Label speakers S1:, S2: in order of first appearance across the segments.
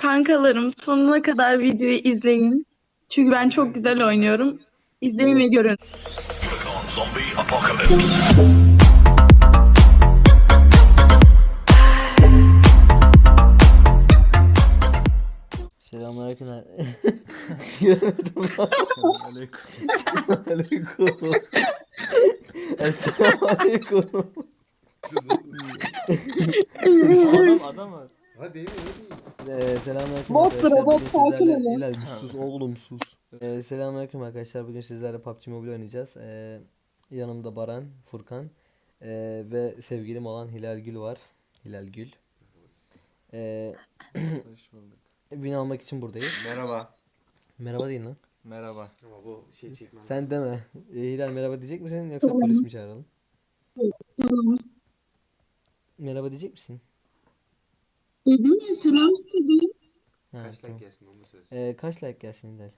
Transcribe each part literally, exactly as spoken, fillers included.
S1: Kankalarım sonuna kadar videoyu izleyin. Çünkü ben çok güzel oynuyorum. İzleyin ve görün.
S2: Zombie apocalypse.
S3: Selamünaleyküm. Göremedim lan.
S4: Aleyküm.
S3: Aleyküm. Selamünaleyküm.
S4: Adam adam var.
S5: Hadi Emir hadi.
S3: Ee, selamünaleyküm
S1: Bot
S3: arkadaşlar.
S1: sıra, bot,
S3: Bugün
S1: sakin
S3: sizlerle-
S1: olun.
S3: Hilal bir sus oğlum sus. Ee, selamünaleyküm arkadaşlar. Bugün sizlerle P U B G Mobile oynayacağız. Ee, yanımda Baran, Furkan ee, ve sevgilim olan Hilal Gül var. Hilal Gül. Ee,
S4: Hoş bulduk.
S3: Win almak için buradayız.
S5: Merhaba.
S3: Merhaba deyin lan.
S4: Merhaba.
S5: Ama bu şey çekmem.
S3: Sen deme. Ee, Hilal merhaba diyecek misin yoksa
S1: Tamam.
S3: polis mi çağıralım?
S1: Tamam.
S3: Merhaba diyecek misin?
S1: Dedim ya, selam istedim.
S3: Ha,
S5: Kaç
S3: tamam.
S5: like gelsin onu da söylesin.
S3: Ee, kaç like gelsin Hilal?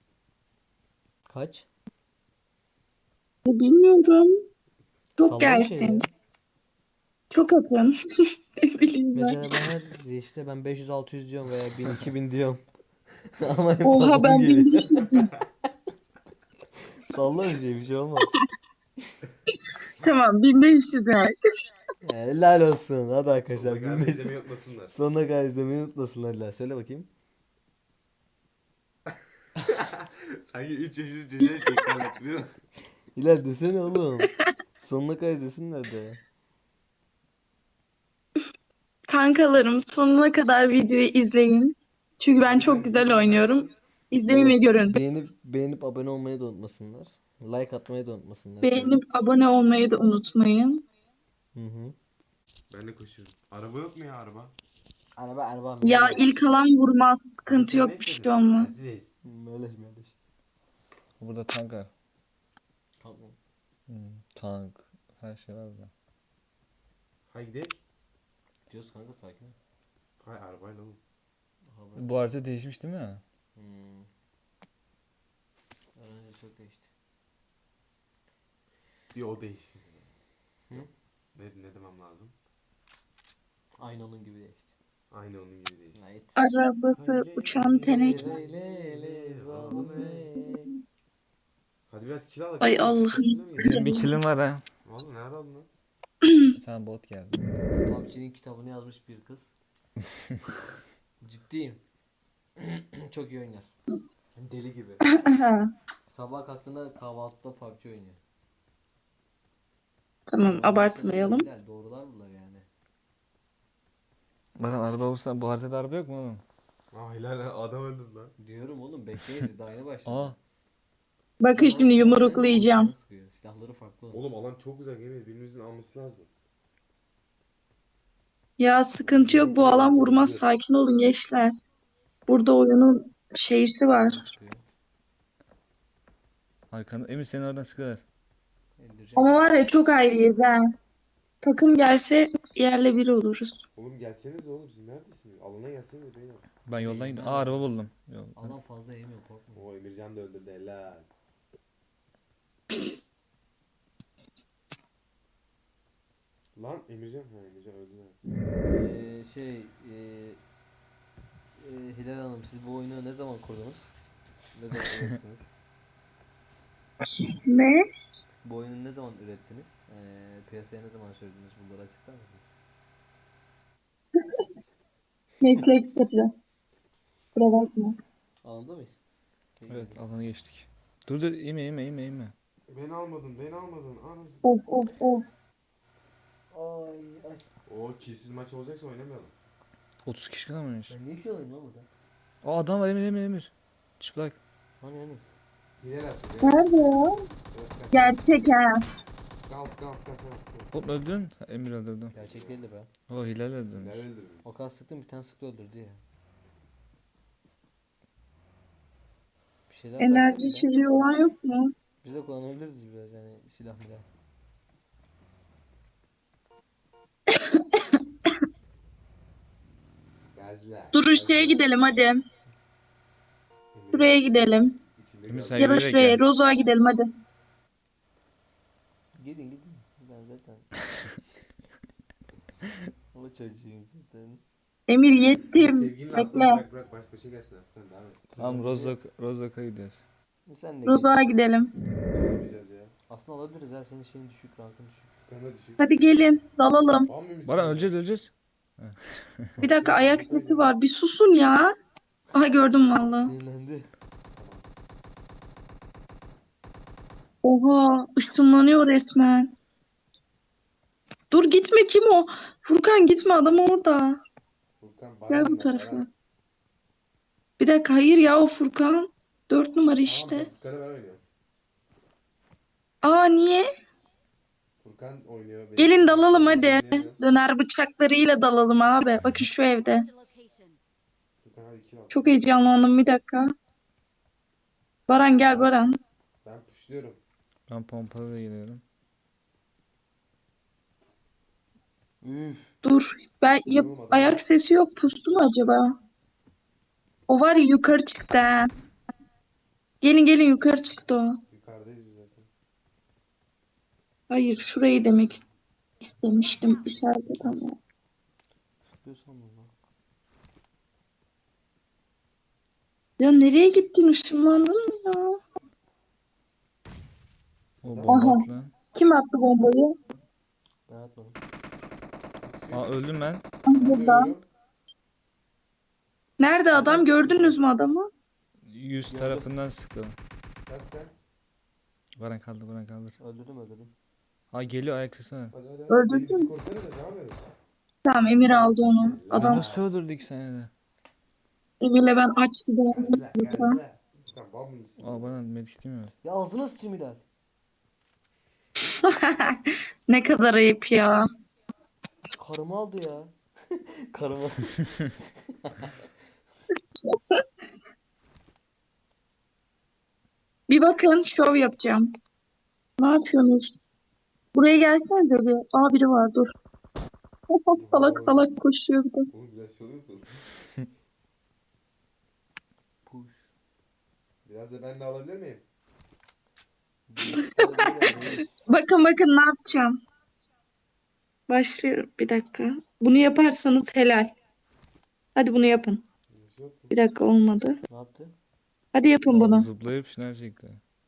S3: Kaç?
S1: E, Bilmiyorum. Çok
S3: Salla bir şey
S1: gelsin.
S3: ya.
S1: Çok atın. Ne bileyim ben.
S3: Mesela ben her işte ben beş yüz altı yüz diyorum veya bin iki bin diyorum. Ama hep
S1: Oha,
S3: fazla
S1: ben
S3: geliyor.
S1: bin beş yüz diyeyim.
S3: Salla bir şey bir şey olmaz.
S1: Tamam, bin beş yüz like.
S3: Ya, helal olsun. Hadi arkadaşlar.
S5: Sonuna kadar
S3: bin beş yüz
S5: izlemeyi unutmasınlar.
S3: Sonuna kadar izlemeyi unutmasınlar Hilal. Söyle bakayım.
S5: Sanki üç yaşlı çocuğa tekrar ettiriyor.
S3: Hilal desene oğlum. Sonuna kadar izlesinler de.
S1: Kankalarım sonuna kadar videoyu izleyin. Çünkü ben çok güzel oynuyorum. İzleyin ve görün.
S3: Beğenip beğenip abone olmayı da unutmasınlar. Like atmayı da unutmasınlar.
S1: Beğenip abone olmayı da unutmayın.
S3: Hı hı.
S5: Ben de koşuyorum. Araba yok mu ya araba?
S3: Araba araba.
S1: Ya ilk alan vurmaz. Sıkıntı yok, bir şey olmaz.
S5: Aziz.
S3: Meleş meleş.
S4: Burada tank var.
S3: Tamam.
S4: Hmm, tank. Her şey var burada.
S5: Hay gidelim.
S3: Diyoruz kanka sakin ol.
S5: Hay arabayla oğlum.
S3: Hava.
S4: Bu harita değişmiş değil mi?
S3: Hmm. Önce çok değişti.
S5: Bir o değişti.
S3: Hı?
S5: Ne, ne demem lazım?
S3: Aynı onun gibi değişti.
S5: Aynı onun gibi değişti.
S3: Ait.
S1: Arabası uçan teneke.
S5: Hadi biraz kill al.
S1: Ay
S5: Kill al.
S1: Allah'ım.
S5: Sıkıntı mı
S4: Benim
S5: geliyor?
S4: bir kilim var ha.
S5: Vallahi nerede aldın lan?
S4: Bir tane bot geldi.
S3: P U B G'nin kitabını yazmış bir kız. Ciddiyim. Çok iyi oynar. Deli gibi. Sabah kalktığında kahvaltıda P U B G oynuyor.
S1: Tamam, abartmayalım.
S3: Bilal, doğrular bunlar yani.
S4: Baran araba olsa bu haritada araba yok mu oğlum?
S5: Aa helal adam öldürdü lan.
S3: Diyorum oğlum bekleyiz daha yeni başladı.
S4: Aa.
S1: Bakın şimdi yumruklayacağım.
S3: Silahları farklı. onun.
S5: Oğlum alan çok güzel Emir. Birimizin alması lazım.
S1: Ya sıkıntı yok, bu alan vurmaz. Sakin olun gençler. Burada oyunun şeysi var.
S3: Sıkıyor.
S4: Arkanda. Emir seni oradan sıkıyorlar.
S3: İndireceğim.
S1: Ama var ya, çok ayrıyız ha. Takım gelse yerle bir oluruz.
S5: Oğlum gelseniz oğlum siz neredesiniz? Alana gelseniz beyler.
S4: Ben yoldan gidiyorum. Aa araba buldum. Yol.
S3: Adam fazla yemiyor korkma.
S5: Oo Emircan da öldürdü helal. Lan Emircan ha Emircan öldü lan.
S3: Ee, şey e, e, Hilal Hanım siz bu oyunu ne zaman kurdunuz? Ne zaman ürettiniz?
S1: Ne?
S3: Bu oyunu ne zaman ürettiniz? Ee, piyasaya ne zaman sürdünüz? Bunları açıklar mısınız?
S1: Meslek sırrı. Kusura bakma.
S3: Alanda mıyız? İyi
S4: Evet
S3: miyiz?
S4: alana geçtik. Dur dur inme inme inme inme.
S5: Beni almadın beni almadın. Anasını.
S1: Of of of.
S3: Ay ay.
S5: Oo killsiz maç olacaksa oynamayalım.
S4: otuz kişi kalmamış.
S3: Ben niye ki alayım lan burada?
S4: Aa adam var Emir Emir Emir. Çıplak.
S3: Hani hani?
S5: Hilal alsın.
S1: Nerede ya? Gerçek ha.
S5: Kalk kalk kalk.
S4: Hop öldün. Ha, Emir öldürdüm.
S3: Gerçek değildi be.
S4: O Hilal öldürmüş.
S5: Hilal öldürdü.
S3: O kadar sıktım bir tane sıktı öldürdü ya. Bir şeyler
S1: Enerji
S3: versene be.
S1: içeceği olan yok mu?
S3: Biz de kullanabiliriz biraz yani silah milah.
S5: Gaziler.
S1: Dur şeye gidelim hadi.
S5: Emir
S1: Şuraya gidelim.
S5: içinde
S4: Emir
S5: kaldı.
S4: sen
S1: Ya da
S4: yürüyerek
S1: şuraya,
S4: gel.
S1: Rozo'ya gidelim hadi.
S3: Gidin gidin. Ben zaten. O çocuğum zaten.
S1: Emir yettim.
S5: Sevgilini aslında
S1: Bekle.
S5: bırak bırak baş başa gelsin. Furkan devam et.
S4: Tamam Rozok Rozok'a gidiyoruz.
S3: Sen de
S1: Roza'ya
S3: geç.
S1: gidelim.
S5: Çalamayacağız ya.
S3: Aslında alabiliriz ya, senin şeyin düşük, rankın düşük.
S5: Furkan'a düşük.
S1: Hadi gelin dalalım.
S5: Var mıymış?
S4: Baran öleceğiz öleceğiz.
S1: Bir dakika ayak sesi var. Bir susun ya. Aha gördüm valla.
S3: Sinirlendi.
S1: Oha ışınlanıyor resmen. Dur gitme, kim o? Furkan gitme, adam orada.
S5: Furkan Baran
S1: Gel bu
S5: var,
S1: tarafa.
S5: Baran.
S1: Bir dakika, hayır ya, o Furkan. Dört numara
S5: Tamam,
S1: işte.
S5: ben Furkan'ı ben oynuyorum.
S1: Aa niye?
S5: Furkan oynuyor. benim
S1: Gelin
S5: için.
S1: dalalım
S5: Ben
S1: hadi.
S5: oynayamıyorum.
S1: Döner bıçaklarıyla dalalım abi. Bakın şu evde.
S5: Furkan hadi kill al.
S1: Çok heyecanlandım, bir dakika. Baran gel Baran.
S5: Ben pushluyorum.
S4: Ben pompalı da geliyorum.
S3: Üf.
S1: Dur. Ben yap
S5: Oğlum adam-
S1: ayak sesi yok. Pustu mu acaba? O var ya, yukarı çıktı ha. Gelin gelin, yukarı çıktı o.
S5: Yukarıdayız biz zaten.
S1: Hayır, şurayı demek is- istemiştim. İşaret tamam.
S3: Diyorsan mı lan?
S1: Ya nereye gittin? Işınlandın mı ya?
S4: O
S1: Aha.
S4: bomba at lan.
S1: Kim attı bombayı?
S3: Ben atmadım.
S4: Aa öldüm ben.
S5: Ben de
S1: Burada.
S5: ölüyorum.
S1: Nerede adam? Gördünüz mü adamı?
S4: Yüz tarafından sıktı.
S5: Gel Furkan.
S4: Baran kaldı Baran kaldır.
S3: Öldürdüm öldürdüm.
S4: Ha geliyor ayak sesi var.
S5: Hadi hadi.
S1: Öldürdün
S5: Elimizi
S1: mü?
S5: korusana da devam edelim.
S1: Tamam, Emir aldı onu.
S4: Adam
S1: Adam
S4: nasıl öldürdü iki saniyede?
S1: Emir'le ben aç gidelim
S5: Gazla
S1: lütfen.
S5: gazla. Furkan bal mısın?
S4: Aa Baran medkitim yok.
S3: Ya ağzına sıçayım Hilal.
S1: Ne kadar ayıp ya.
S3: Karımı aldı ya. Karımı.
S1: Bir bakın, şov yapacağım. Ne yapıyorsunuz? Buraya gelsenize bir. Aa biri var, dur. Salak salak koşuyor bir de.
S5: Oğlum biraz şey oluyor mu?
S3: Push.
S5: Biraz da ben de alabilir miyim?
S1: Bakın bakın ne yapacağım. Başlıyorum, bir dakika. Bunu yaparsanız helal. Hadi bunu yapın.
S5: Bir şey yok mu?
S1: Bir dakika, olmadı.
S3: Ne yaptı?
S1: Hadi yapın bunu.
S4: Zıplayıp şınav çekti.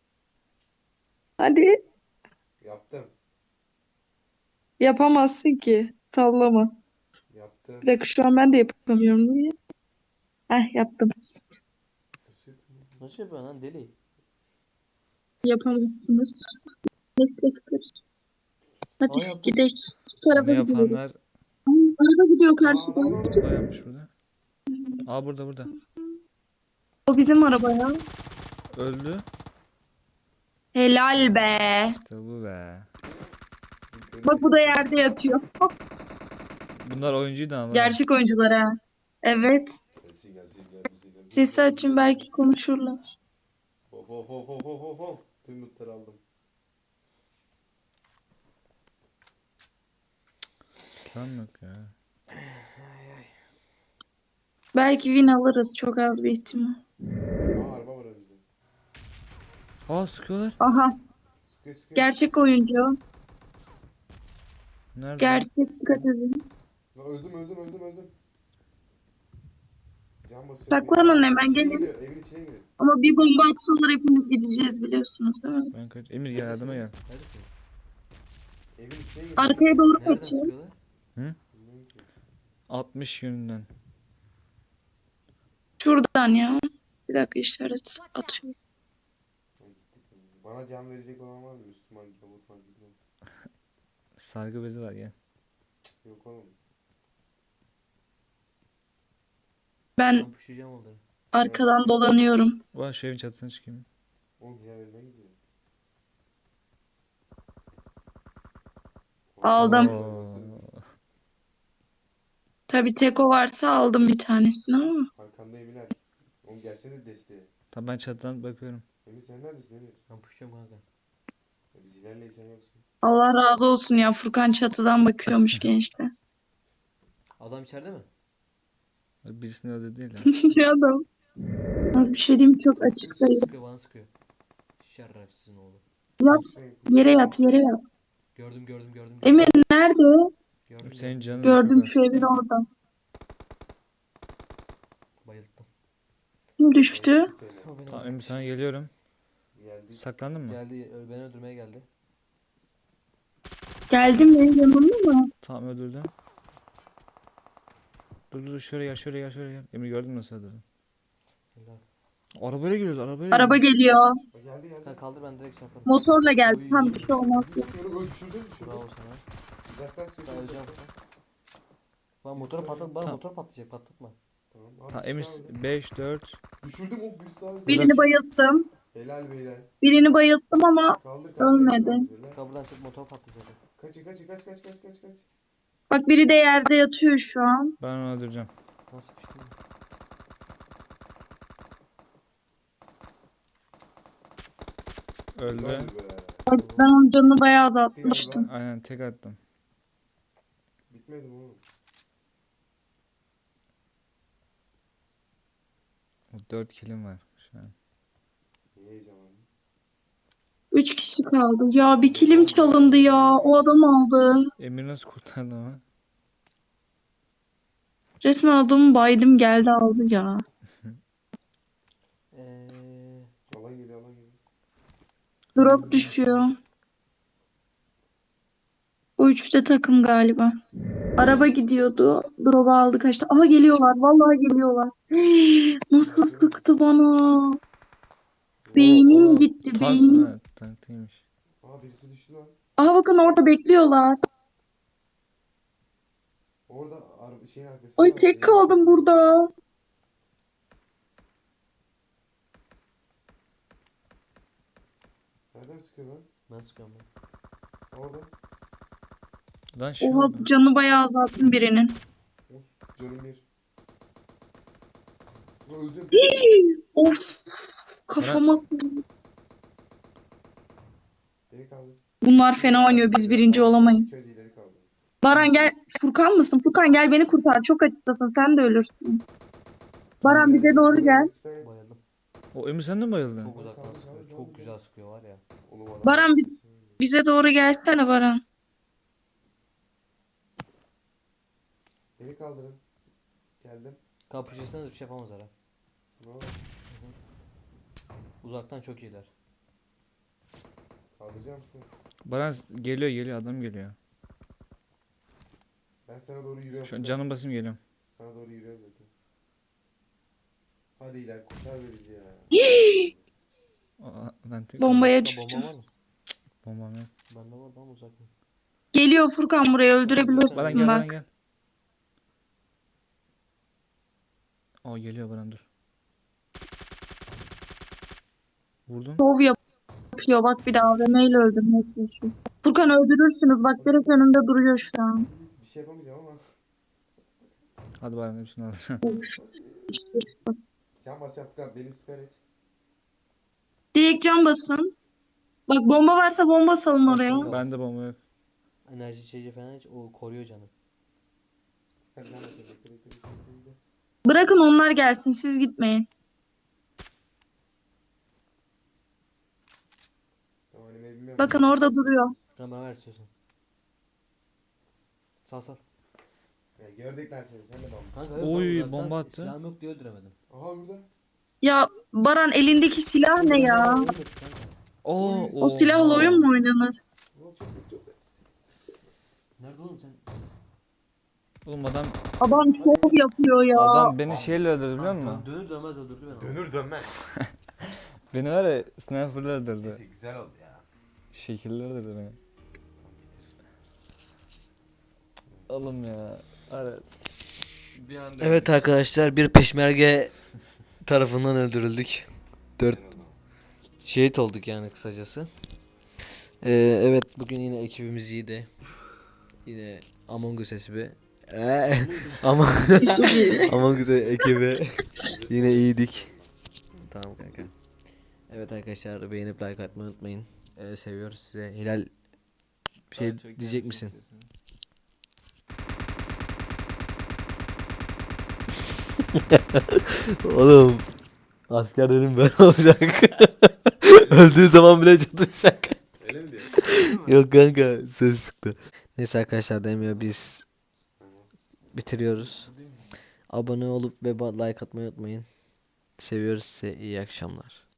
S1: Hadi.
S5: Yaptım.
S1: Yapamazsın ki. Sallama.
S5: Yaptım.
S1: Bir dakika, şu an ben de yapamıyorum. Niye? Heh, yaptım.
S5: Nasıl yapayım?
S3: Nasıl yapıyorsun lan deli?
S1: Yapamazsınız. Meslektir. Hadi
S3: Aa, yaptım.
S1: gidelim. Şu tarafa
S4: Bunu
S1: gidiyoruz.
S4: yapanlar
S1: Ay, araba gidiyor
S5: Aa,
S1: karşıdan.
S4: bayanmış burada. Aa burada burada.
S1: O bizim araba ya.
S4: Öldü.
S1: Helal be.
S4: İşte bu be.
S1: Bak bu da yerde yatıyor.
S4: Bunlar oyuncuydu ama.
S1: Gerçek oyuncular ha. Evet.
S5: Gelsin gelsin gelsin gelsin.
S1: Sesi açın, belki konuşurlar.
S5: Of of of of of of of. Tüm lootları aldım.
S4: Plan yok ya.
S1: Belki win alırız. Çok az bir ihtimal.
S5: Aa araba var önümüzde.
S4: Aa sıkıyorlar.
S1: Aha.
S5: Sıkıyor sıkıyor.
S1: Gerçek oyuncu.
S4: Nerede?
S1: Gerçek, dikkat edin.
S5: Lan öldüm öldüm öldüm öldüm. Can basıyor.
S1: Saklanın hemen,
S5: İçine
S1: gelin.
S5: giriyor, evin içine giriyor.
S1: Ama bir bomba atsalar hepimiz gideceğiz, biliyorsunuz değil mi?
S4: Ben kaç. Emir gel yardıma gel.
S3: Neredesin?
S5: Evin içine giriyor.
S1: Arkaya doğru
S3: Nereden
S1: kaçıyor.
S3: sıkıyorlar?
S5: Bilmiyorum ki.
S4: altmış yönünden.
S1: Şuradan ya. Bir dakika, işaret atıyor.
S5: Ay, gittik. Bana can verecek olan var mı? Müslüman gavur fark etmez.
S4: Sargı bezi var gel.
S5: Yok oğlum.
S1: Ben
S3: Ben pushlayacağım onları.
S1: arkadan dolanıyorum.
S4: Ulan şu evin çatısına çıkayım.
S5: Oğlum Hilal önüne gidiyor.
S1: Aldım.
S4: Oo.
S1: Tabii teko varsa aldım bir tanesini ama.
S5: Arkandayım Hilal. Oğlum gelsene desteğe.
S4: Tamam ben çatıdan bakıyorum.
S5: Emir sen neredesin Emir?
S3: Ben pushlayacağım kanka.
S5: Ya biz Hilal'le sen yoksun.
S1: Allah razı olsun ya, Furkan çatıdan bakıyormuş gençte.
S3: Adam içeride mi?
S4: Birisini öldü değil ya.
S1: Ne adam? Az bir şey diyeyim, çok açıktayız.
S3: Sıkıyor bana sıkıyor. Şerrafsizin oğlu.
S1: Yat, yere yat, yere yat.
S3: Gördüm gördüm gördüm.
S1: Emir nerede?
S3: Gördüm
S4: Senin
S3: gördüm.
S4: canın
S1: Gördüm,
S4: çok az.
S1: şu evin orada.
S3: bayıldım.
S1: Kim düştü?
S5: Seni.
S3: O beni
S4: Tamam
S3: öldürdü.
S4: Emre sana geliyorum.
S5: Geldi.
S4: Saklandın mı?
S3: Geldi ö- beni öldürmeye geldi.
S1: Geldim ya yanında mı?
S4: Tamam öldürdüm. Dur dur şöyle gel şöyle gel şöyle gel. Emre gördün mü nasıl öldürdüm?
S3: Helal.
S4: Arabayla geliyordu arabayla
S1: Araba
S4: geliyordu.
S1: geliyor.
S5: Bak geldi geldi.
S3: Sen kaldır ben direkt şey yaparım.
S1: Motorla geldi.
S3: Oy.
S1: Tam bir şey olmaz.
S5: Düşürdüm öl düşürdüm düşürdüm.
S3: Bravo sana.
S5: Uzaktan sıkıyor.
S3: Ben öleceğim.
S5: uzaktan.
S3: Bana motoru patlat, bana
S4: Tamam.
S3: motor patlayacak, patlatma.
S5: Tamam. Abi,
S4: Tamam
S5: bir
S4: Emir
S5: şey aldı.
S4: beş dört.
S5: Düşürdüm o birisi daha. öldü.
S1: Birini bayılttım.
S5: Helal beyler.
S1: Birini bayılttım ama
S5: Kaldır kaldır.
S1: Ölmedi.
S5: kaldır. Helal.
S3: Kapıdan çık, motor patlayacak.
S5: Kaçı kaçı kaç kaç kaç kaç kaç.
S1: bak biri de yerde yatıyor şu an.
S4: Ben onu öldüreceğim.
S3: Nasıl bir şey?
S4: Öldü.
S5: Helal be.
S1: Bak ben onun canını bayağı
S5: Bitti
S1: azaltmıştım.
S5: galiba.
S4: Aynen tek attım.
S5: Bitmedi mi oğlum?
S4: dört kilim var şu an.
S5: Niye heyecanlandın?
S1: Üç kişi kaldı. Ya bir kilim çalındı ya. O adam aldı.
S4: Emir nasıl kurtardı ama?
S1: Resmen adamı baydım geldi aldı ya.
S3: Eee...
S5: Alan geliyor alan geliyor.
S1: Drop düşüyor. Bu üçte takım galiba. Araba gidiyordu. Drop'u aldı kaçtı. Aha geliyorlar. Vallahi geliyorlar. Nasıl sıktı bana. Beynim
S4: Oo,
S1: gitti,
S4: tank-
S1: beynim.
S4: ha, tanklıymış.
S5: Aa birisi düştü lan.
S1: Aha bakın orada bekliyorlar.
S5: Orada araba şeyin arkasında.
S1: Ay
S5: var,
S1: tek
S5: evin
S1: kaldım
S5: arkasında.
S1: burada.
S5: Nereden sıkıyor lan?
S3: Ben sıkıyorum ben.
S5: Orada.
S4: Lan şey
S1: Oha
S4: oldu.
S1: canı bayağı azalttım birinin.
S5: Of canım bir. Öldüm.
S1: Of. Kafama.
S5: Beni kaldır.
S1: Bunlar fena oynuyor. Biz birinci olamayız.
S5: Şöyle ileri kaldır.
S1: Baran gel. Furkan mısın? Furkan gel beni kurtar. Çok açıktasın. Sen de ölürsün. Baran bize doğru gel.
S3: Bayıldım.
S4: O Emir sen de mi bayıldın?
S3: Çok uzaktan sıkıyor, çok güzel sıkıyor var ya.
S5: Oğlum adam-
S1: Baran biz bize doğru gelsene Baran.
S5: Beni kaldırın. Geldim.
S3: Kapışırsanız bir şey yapamazlar ha.
S5: Ne oldu?
S3: Uzaktan çok iyiler.
S5: Kaldıracağım.
S4: Baran geliyor geliyor adam geliyor.
S5: Ben sana doğru yürüyorum.
S4: Şu an canım basım geliyorum.
S5: Sana doğru yürüyorum zaten. Hadi iler kurtar be bizi ya.
S4: Aa, ben tek
S1: Bombaya
S3: Ha, bomba
S1: düştüm.
S3: var mı?
S4: bombam yok.
S3: Bende var ama uzak mı?
S1: Geliyor Furkan buraya
S4: Baran
S1: öldürebilirsin
S4: gel Baran
S1: bak.
S4: gel. Aa geliyor Baran dur. Vurdum.
S1: Şov yapıyor bak bir daha A V M ile öldürmeye çalışıyor. Furkan öldürürsünüz bak direkt önümde duruyor şu an.
S5: Bir şey yapamayacağım ama.
S4: Hadi Baran hepsini al.
S1: İşte
S5: Can bas Afgan beni siper et.
S1: direkt cam basın. Bak bomba varsa bomba salın oraya.
S4: Bende bomba yok.
S3: Enerji içeceği falan hiç o koruyor canım.
S5: Sen can bas bekle bekle bekle bekle.
S1: Bırakın onlar gelsin siz gitmeyin.
S5: Tamam animeyi bilmiyorum.
S1: Bakın orada duruyor.
S3: Sen bana ver istiyorsan. Sal sal.
S5: Ya gördük lan seni sen de bamba.
S3: Kanka, yok,
S4: Oy,
S3: ben uzaktan
S4: bomba attı.
S3: Silahım yok diye öldüremedim.
S5: Aha burada.
S1: Ya Baran elindeki silah ne ya?
S3: Ölmesin kanka.
S4: Oo,
S1: O silahla oyun mu oynanır?
S5: Oğlum çok çok çok.
S3: Nerede oğlum sen?
S4: Oğlum adam
S1: Adam şov yapıyor ya.
S4: adam beni şeyle öldürdü biliyor musun?
S3: Dönür dönmez öldürdü beni.
S5: Dönür dönmez.
S4: Beni var ya sniper'la öldürdü.
S5: Neyse güzel oldu ya.
S4: Şekiller öldürdü beni. Oğlum ya. Evet. Bir anda
S3: Evet arkadaşlar, bir peşmerge tarafından öldürüldük. Dört şehit olduk yani kısacası. Ee, evet bugün yine ekibimiz iyiydi. Yine Among Us ekibi. Ee, ama Among Us ekibi yine iyiydik. Tamam kanka. Evet arkadaşlar, beğenip like atmayı unutmayın. Ee, seviyoruz size. Hilal bir şey diyecek misin? Oğlum asker dedim böyle olacak. Öldüğü zaman bile çatışacak.
S5: Öyle mi diyor?
S3: Yok kanka, ses çıktı. Neyse arkadaşlar, demiyor biz bitiriyoruz. Abone olup ve ba- like atmayı unutmayın. Seviyoruz sizi. İyi akşamlar.